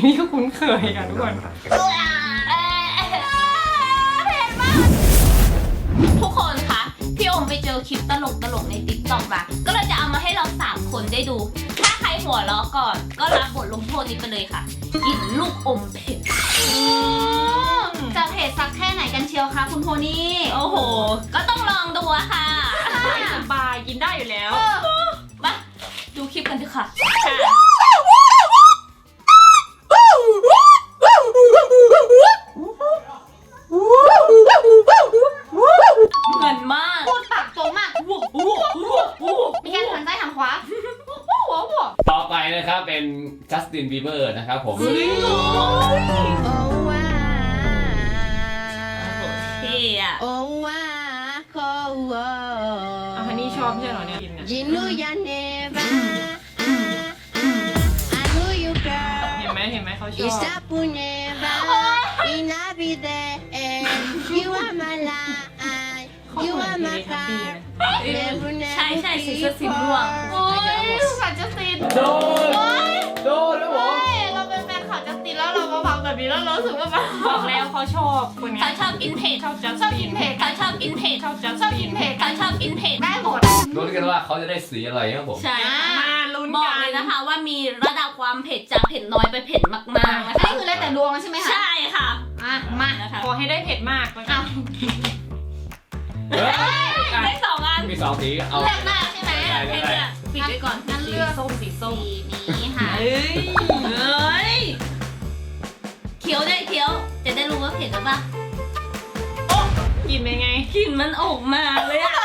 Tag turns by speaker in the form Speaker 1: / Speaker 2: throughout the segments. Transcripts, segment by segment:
Speaker 1: ที่คุ้นเคยค่ะทุกคน
Speaker 2: ทุกคนคะพี่โอมไปเจอคลิปตลกในติ๊กต็อกมาก็เลยจะเอามาให้เรา3คนได้ดู ถ้าใครหัวเราะก่อนก็รับบทลงโทษนี้ไปเลยค่ะกินลูกอมเผ็ด
Speaker 3: จะเผ็ดสักแค่ไหนกันเชียวคะคุณโพนี่
Speaker 2: โอ้โหก็ต้องลองดูอะค่ะ
Speaker 1: สบายกินได้อยู่แล้ว
Speaker 2: มาดูคลิปกันเถอะค่ะเหมือนมาก
Speaker 3: พูดปากโตมากมีการหันซ้ายหันขวา
Speaker 4: ต่อไปนะครับเป็นจัสตินบีเบอร์นะครับผม
Speaker 2: เท่อะ
Speaker 1: ฮันนี่ชอบใช่เหรอเนี่ยกินเนี่ยเห็นไหมเขาชอบ
Speaker 2: ใช่สีเสื้อสีม่วง
Speaker 3: โอ้ยขาจัสติน
Speaker 4: โดนแล้วผม
Speaker 3: เราเป็นแฟนขาจัสตินแล้วเรามาฟังแบบนี้แล้วเรารู้สึกว่า
Speaker 1: บอกแล้วเขาชอบคนนี้
Speaker 2: เขาชอบกินเผ็ด
Speaker 1: ชอบ
Speaker 3: กินเผ็ด
Speaker 2: เขาชอบกินเผ็ด
Speaker 3: ชอบกินเผ็ด
Speaker 2: เขาชอบกินเผ็ด
Speaker 3: ได้หมด
Speaker 4: รู้กันว่าเขาจะได้สีอะไรครับผม
Speaker 2: ใช่
Speaker 1: มาลุ้น
Speaker 2: บอกเลยนะคะว่ามีระดับความเผ็ดจากเผ็ดน้อยไปเผ็ดมากๆนะคะ
Speaker 3: นี่คือแล้วแต่ดวงใช่ไหมคะ
Speaker 2: ใช่ค่ะ
Speaker 3: มา
Speaker 2: นะคะ
Speaker 1: ขอให้ได้เผ็ดมาก
Speaker 2: ได้2 อัน
Speaker 4: มี2 สีเอา
Speaker 3: เลือกหน้าใช่ไหม
Speaker 2: ปิดไว้ก่อน
Speaker 3: งั้นเลือก
Speaker 1: สีส้ม
Speaker 3: นี้ค่ะ
Speaker 2: เฮ้ยเคี้ยวจะได้รู้ว่าเผ็ดหรือเปล่า
Speaker 1: กินเป็นไง
Speaker 2: กลิ่นมันออกมาเลยอะ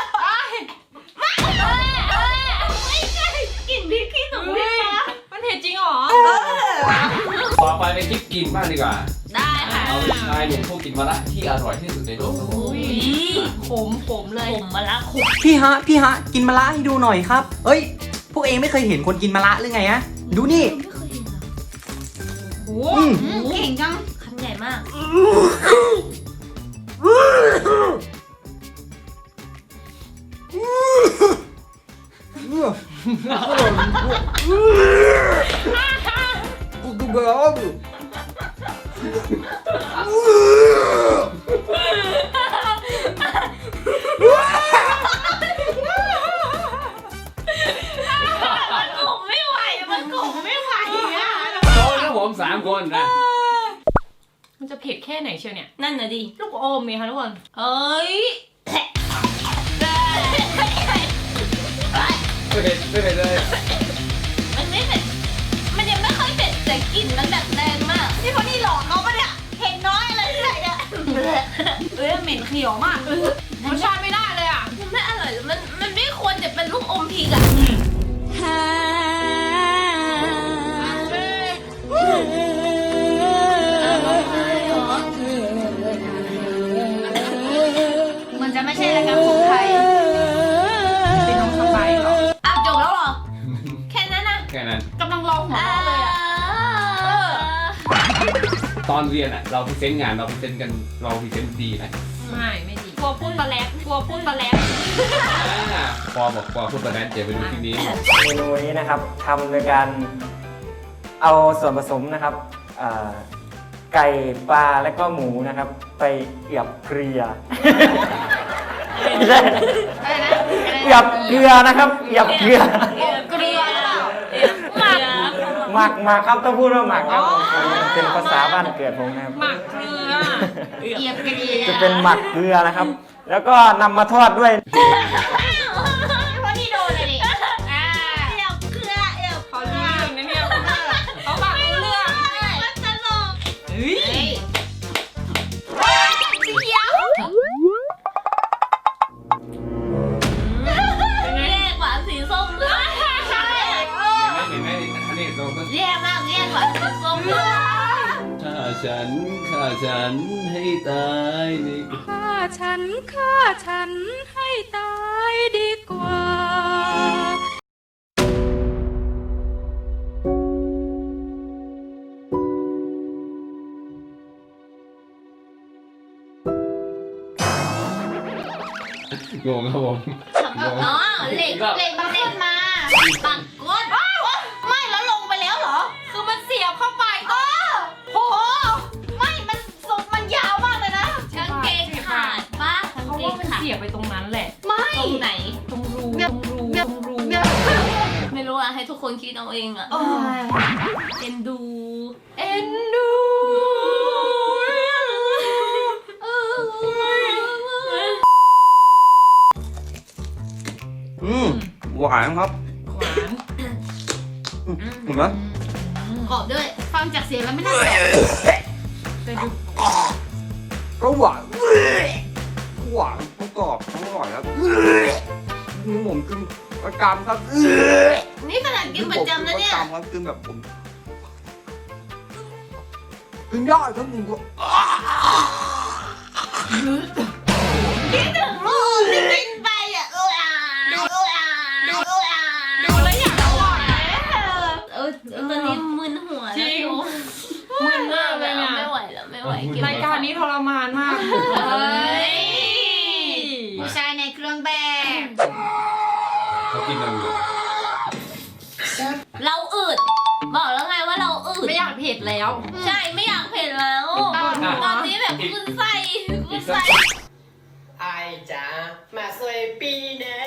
Speaker 2: ไม่ใช่กลิ่นพริกขี้หนู
Speaker 1: มันเผ็ดจริงหรอ
Speaker 4: ต่อไปเป็นคลิปกินบ้างดีกว่า
Speaker 2: ได้ค่ะ
Speaker 4: เอาชายหนุ่มผู้กินมะระที่อร่อยที่สุดในโลกครับผม
Speaker 2: ขมเลยขมมะระขม
Speaker 5: พี่ฮะกินมะระให้ดูหน่อยครับเอ้ยพวกเองไม่เคยเห็นคนกินมะระหรือไงฮะดูนี่
Speaker 2: ไม่เคยเห็น
Speaker 3: โอ้เก่งจัง
Speaker 2: คำใหญ่มาก
Speaker 4: 3 คนนะ
Speaker 1: มันจะเผ็ดแค่ไหนเชียวเนี่ย
Speaker 2: นั่นน่ะดิ
Speaker 1: ลูกอมมีค่ะทุกคน
Speaker 2: เอ้ย
Speaker 4: ไม่เผ็ดเลย
Speaker 2: มันไม่เผ็ดมันยังไม่ค่อยเผ็ดแต่กลิ่นมันแบบแรงมาก
Speaker 3: นี่คนนี้หลอกเขาปะเนี่ยเห็นน้อยอะไรที่ไหนเนี่ย
Speaker 1: เหม็นเขียวมากรสชาติไม่ได้เลยอ่ะ
Speaker 2: มันไม่อร่อยมันไม่ควรจะเป็นลูกอมพริกอ่ะ
Speaker 3: มันจะไม่ใช่รายการของไทย
Speaker 1: เป็นน้องสไปเหรอ
Speaker 2: จบแล้วเหรอแค่นั้นนะ
Speaker 4: แค่นั้น
Speaker 3: กำลังรอหัวเลยอ่ะ
Speaker 4: ตอนเรียนเราพรีเซนต์งานเราพรีเซนต์กันเราพรีเซนต์ดีไหม
Speaker 1: ไม่ดีกลัวพูดตะแลกพอบอกก
Speaker 4: ลัวพูดตะแลกเดี๋ยวไปดูที่นี้
Speaker 5: เมนูนี้นะครับทำโดยการเอาส่วนผสมนะครับไก่ปลาและก็หมูนะครับไปเอียบเกลือเอียบเกลือนะครับเอียบเกลือหมักครับต้องพูดว่าหมักครับเป็นภาษาบ้านเกิดผมนะครับ
Speaker 1: หมักเกลือ
Speaker 3: เอียบเกลือ
Speaker 5: จะเป็นหมักเกลือนะครับแล้วก็นำมาทอดด้วย
Speaker 3: เพราะนี่โดนเลยดิ
Speaker 2: เอียบเกลือ
Speaker 1: เขาเรื่องนะเนี่ยเขาหมักเกลือ
Speaker 2: มันตลกแย่กว่าสีส้มเลย
Speaker 4: เห็นไหมอันนี้เราก็
Speaker 2: แย่มากแย่กว่าสีส้มเลย
Speaker 4: ฆ่าฉันให้ตายดีกว่า
Speaker 1: ฆ่าฉันให้ตายดีกว่า
Speaker 4: งงครับผม
Speaker 2: อ๋อเหล็กมันเล่นมาปักก้น
Speaker 3: ไม่แล้วลงไปแล้วเหรอคือมันเสียบเข้าไป
Speaker 1: ไปตรงนั้นแหละ
Speaker 3: ไม่
Speaker 2: ตรงไหน
Speaker 1: ตรงรู
Speaker 3: เนี่ย
Speaker 1: ตรงรู
Speaker 3: เนี่ย
Speaker 1: ตรงรู
Speaker 3: เนี่ย
Speaker 2: ไม่รู้อะให้ทุกคนคิดเอาเองอะ
Speaker 3: โอ้ย
Speaker 2: เอ็นดู
Speaker 1: เอ็นดู
Speaker 4: หวานครับ
Speaker 1: หวาน
Speaker 4: เห็นไหม
Speaker 3: กรอบด้วย ฟังจากเสียงแล้วไม่น่าแปลก
Speaker 1: แต่ดู
Speaker 4: ก็หวานหวานทั้งกรอบทั้งอร่อยครับผมกินประจำครับ
Speaker 2: นี่ขนาดกินประจำนะเนี่ย
Speaker 4: ประจำครับกินแบบผมกินได้ครับผมก็
Speaker 2: คิดถึงลูกที่กินไปอะดู
Speaker 1: แล้วอยากอร่อย
Speaker 2: ตอนนี้มึนหัว
Speaker 1: จริง
Speaker 2: มึน
Speaker 1: มากเลยอะ
Speaker 2: ไม่ไหวแล้วไม่ไหวเบ
Speaker 1: รายการนี้ทรมานมาก
Speaker 2: เฮ้ย
Speaker 3: ผู้ชายในเครื่องแบบ
Speaker 4: เขากินกันอยู่
Speaker 2: เราอืดบอกแล้วไงว่าเราอืด
Speaker 1: ไม่อยากเผ็ดแล้ว
Speaker 2: ใช่ไม่อยากเผ็ดแล้ว ตอนนี้แบบคุณไส้คุณไส้
Speaker 6: ไอจ๋ามาสวยปีเน่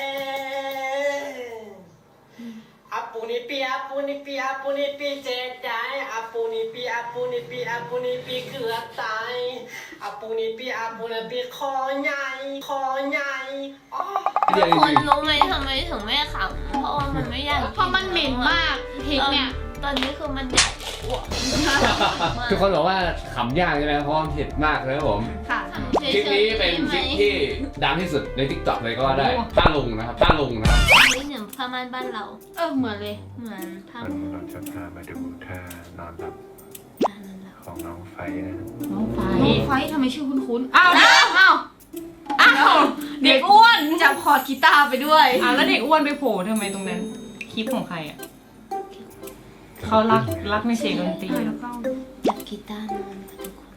Speaker 6: อาปูนิปีอาปูนิปีอาปูนิปีเจ็ดได้อาปูนิปีอาปูนิปีอาปูนิปีเกือบตายอาปูนิปีอาปูนิปีคอใหญ่คอใหญ่อ๋อ
Speaker 2: ทุกคนรู้ไหมทำไมถึงไม่ขำเพราะว่ามันไม่อยาก
Speaker 3: เพราะมันเหม็นมากพริกเนี่ย
Speaker 2: ตอนนี้คือมันอยากอ้วก
Speaker 4: ทุกคนบอกว่าขำยากใช่ไหมเพราะมันเผ็ดมากเลยครับผม
Speaker 3: ค่ะ
Speaker 4: คลิปนี้เป็นคลิปที่ดังที่สุดใน TikTok เลยก็ว่าได้ต้าลุงนะครับต้าลุงนะครับ
Speaker 2: นี่เหมือนผ้าม่านบ้านเรา
Speaker 3: เหมือนเลย
Speaker 2: เหมือนผ้า
Speaker 7: วันนี้เราจะพามาดูท่านอนหลับของน้องไฟนะ
Speaker 3: น้องไฟทำไมชื่อคุ้นๆ
Speaker 1: อ้าว อ้าวเด็กอ้วน
Speaker 3: จับคอร์ดกีตาร์ไปด้วย
Speaker 1: อ่ะแล้วเด็กอ้วนไปโผล่ทำไมตรงนั้น คลิปของใครอ่ะเขารักในเสียงดนตรี
Speaker 2: จับกีตาร์นอนค่ะทุกคน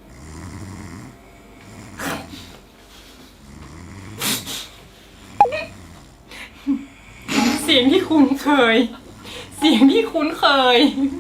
Speaker 1: เสียงที่คุ้นเคย เสียงที่คุ้นเคย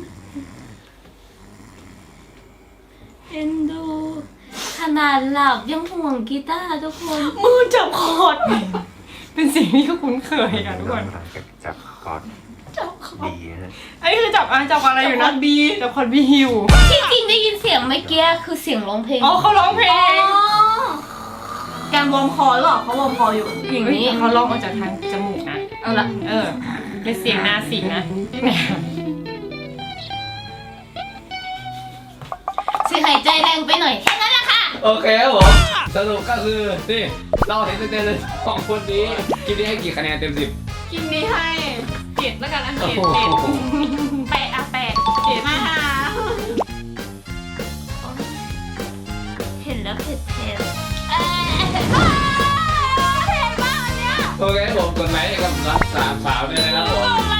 Speaker 2: เอ็นดู ขนาดหลับยังห่วงกีตาร์ทุกคน
Speaker 1: มือจับคอร์ดเป็นเสียงที่คุ้นเคยอ่ะทุกคน
Speaker 7: หลังจากจับคอร์ดดีฮะ
Speaker 1: อันนี้คือจับอะไรอยู่นะจับคอร์ดบีอยู่
Speaker 2: ที่จริงได้ยินเสียงเมื่อกี้คือเสียงร้องเพลง
Speaker 1: อ๋อเขาร้องเพลง
Speaker 3: การวอร์มคอหรือเปล่าเขาวอร์มคออยู่
Speaker 1: อย่างนี้เขาร้องออกจากทางจมูกนะ
Speaker 3: เอาละ
Speaker 1: เป็นเสียงนาสิงนะ
Speaker 2: เสียงหายใจแรงไปหน่อยแค่นั้นแหละค่ะ
Speaker 4: โอเคครับผมสรุปก็คือนี่เราเห็นเต็มๆเลยสองคนนี้คลิปนี้ให้กี่คะแนนเต็ม 10
Speaker 1: กินนี้ให้เจ็ดแล้วกันอัน
Speaker 4: โอ้
Speaker 1: เจ็ด
Speaker 4: โห
Speaker 1: แปดอะแปดเจ็ด
Speaker 3: มาหา
Speaker 2: เห็นแล้วเผ็ดเผ็ดเผ็ดมากอันเนี้ย
Speaker 4: โอเคครับผมกดไลค์กับรักสามสาวด้วยนะครับผม